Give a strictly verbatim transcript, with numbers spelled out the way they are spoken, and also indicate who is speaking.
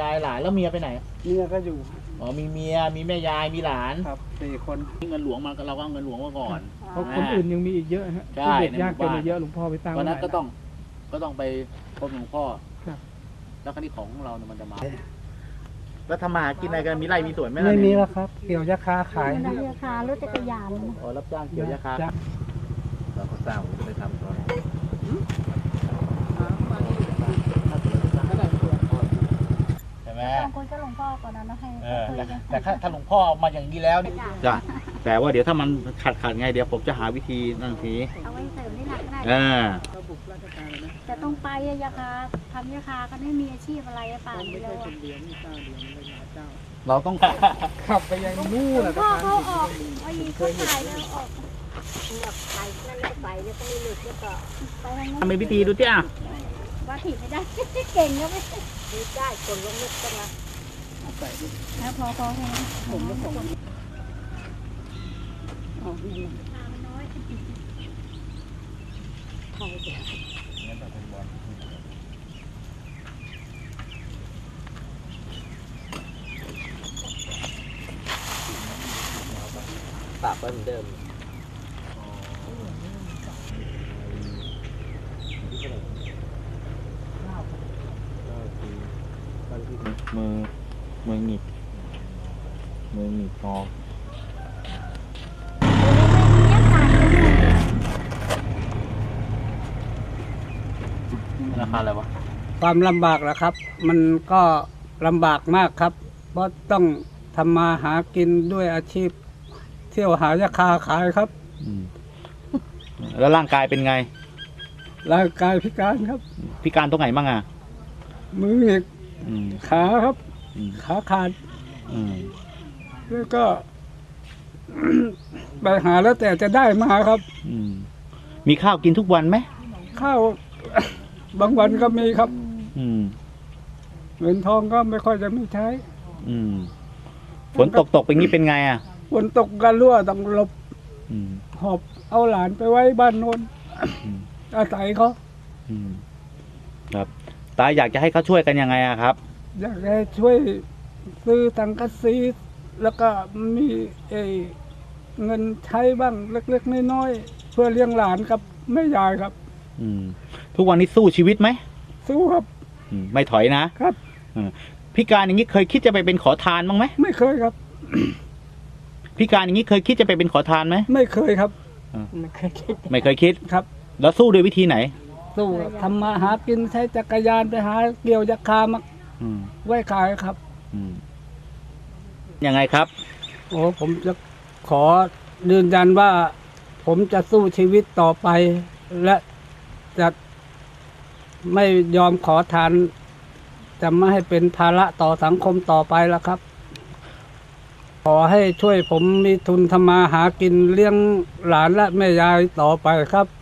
Speaker 1: ยายหลานแล้วเมียไปไหน
Speaker 2: เมียก็อยู่
Speaker 1: อ๋อมีเมียมีแม่ยายมีหลาน
Speaker 2: ครับสี่คน
Speaker 1: เงินหลวงมาเราก็เอาเงินหลวงมาก่อน
Speaker 3: เพราะคนอื่นยังมีอีกเยอะฮะที่เด็กยากจนเยอะหลวงพ่อไปตั้ง
Speaker 1: เพราะนั้นก็ต้องก็ต้องไปพบหลวงพ่อแล้วคดีของเราเนี่ยมันจะมาแล้วทำมาหากินอะไรกันมีไร่มีสวนไหมล่ะ
Speaker 2: ไม่มีแล้วครับเกี่ยวยาคาขาย
Speaker 4: ยาคารถจักรยาน
Speaker 1: อ๋อรับจ้างเกี่ยวยาคาเราก็สร้างจะไปทำตอนใช่ไหม
Speaker 4: ต้องคุยกับหลวงพ่อก่อนนะให้
Speaker 1: แต่ถ้าหลวงพ่อมาอย่างนี้แล้วนี่จ้ะแต่ว่าเดี๋ยวถ้ามันขาดขาดไงเดี๋ยวผมจะหาวิธีนั่นที
Speaker 4: เอาไว้เสริมที่หนักก็ได้
Speaker 1: อ่า
Speaker 4: แต่ต้องไปยาคาทำยาคาก็ไม่มีอาชีพอะไรป่านนี้แล้ว
Speaker 1: เราต้อง
Speaker 2: ขับไปยังนู่นแหละ
Speaker 4: พ่อเขาออกไอ้เขาถ่ายแล้วออกแบบถ่ายนั่นไม่ไปแล้วก็ไม่หลุดแล้วก็ไปทางนั้น
Speaker 1: ทำเป็นพิธีดูจ้า
Speaker 4: ว่าถีบไม่ได้เก่งก็ไม่ได้คนลงลึกกันละแล้วพอพอแค่นี้ผมก็ผมอ๋อนี่น้อยไทยเดียว
Speaker 1: ปากไว้เหมือนเดิมมือมือหงิกมือหงิกงอราคาอะไรวะ
Speaker 2: ความลำบากแหละครับมันก็ลำบากมากครับเพราะต้องทำมาหากินด้วยอาชีพเที่ยวหายาคาขายครับ
Speaker 1: แล้วร่างกายเป็นไง
Speaker 2: ร่างกายพิการครับ
Speaker 1: พิการตรงไหนบ้างอ่ะ
Speaker 2: มือหงิกขาครับขาขาดแล้วก็ไปหาแล้วแต่จะได้มาครับ
Speaker 1: มีข้าวกินทุกวันไหม
Speaker 2: ข้าวบางวันก็มีครับเงินทองก็ไม่ค่อยจะมีใช้
Speaker 1: ฝนตกตกเป็นงี้เป็นไงอ่ะ
Speaker 2: ฝนตกกันรั่วต้องหลบหอบเอาหลานไปไว้บ้านโน้นอาศัยเขา
Speaker 1: ครับตาอยากจะให้เขาช่วยกันยังไงอะครับ
Speaker 2: อยากให้ช่วยซื้อสังกะสีแล้วก็มีเอเงินใช้บ้างเล็กๆน้อยๆเพื่อเลี้ยงหลานกับแม่ยายครับ
Speaker 1: ทุกวันนี้สู้ชีวิตไหม
Speaker 2: สู้ครับ
Speaker 1: ไม่ถอยนะครับพิการอย่างนี้เคยคิดจะไปเป็นขอทานบ้างไหม
Speaker 2: ไม่เคยครับ
Speaker 1: พิการอย่างนี้เคยคิดจะไปเป็นขอทานไหม
Speaker 2: ไม่เคยครับ
Speaker 4: ไม่เคยคิด
Speaker 1: ไม่เคยคิด
Speaker 2: ครับ
Speaker 1: แล้วสู้ด้วยวิธีไหน
Speaker 2: สู้ทำมาหากินใช้จักรยานไปหาเกี่ยวยาคามาไว้ขายครับ
Speaker 1: ยังไงครับ
Speaker 2: โอ้ผมจะขอยืนยันว่าผมจะสู้ชีวิตต่อไปและจะไม่ยอมขอทานจะไม่ให้เป็นภาระต่อสังคมต่อไปแล้วครับขอให้ช่วยผมมีทุนทำมาหากินเลี้ยงหลานและแม่ยายต่อไปครับ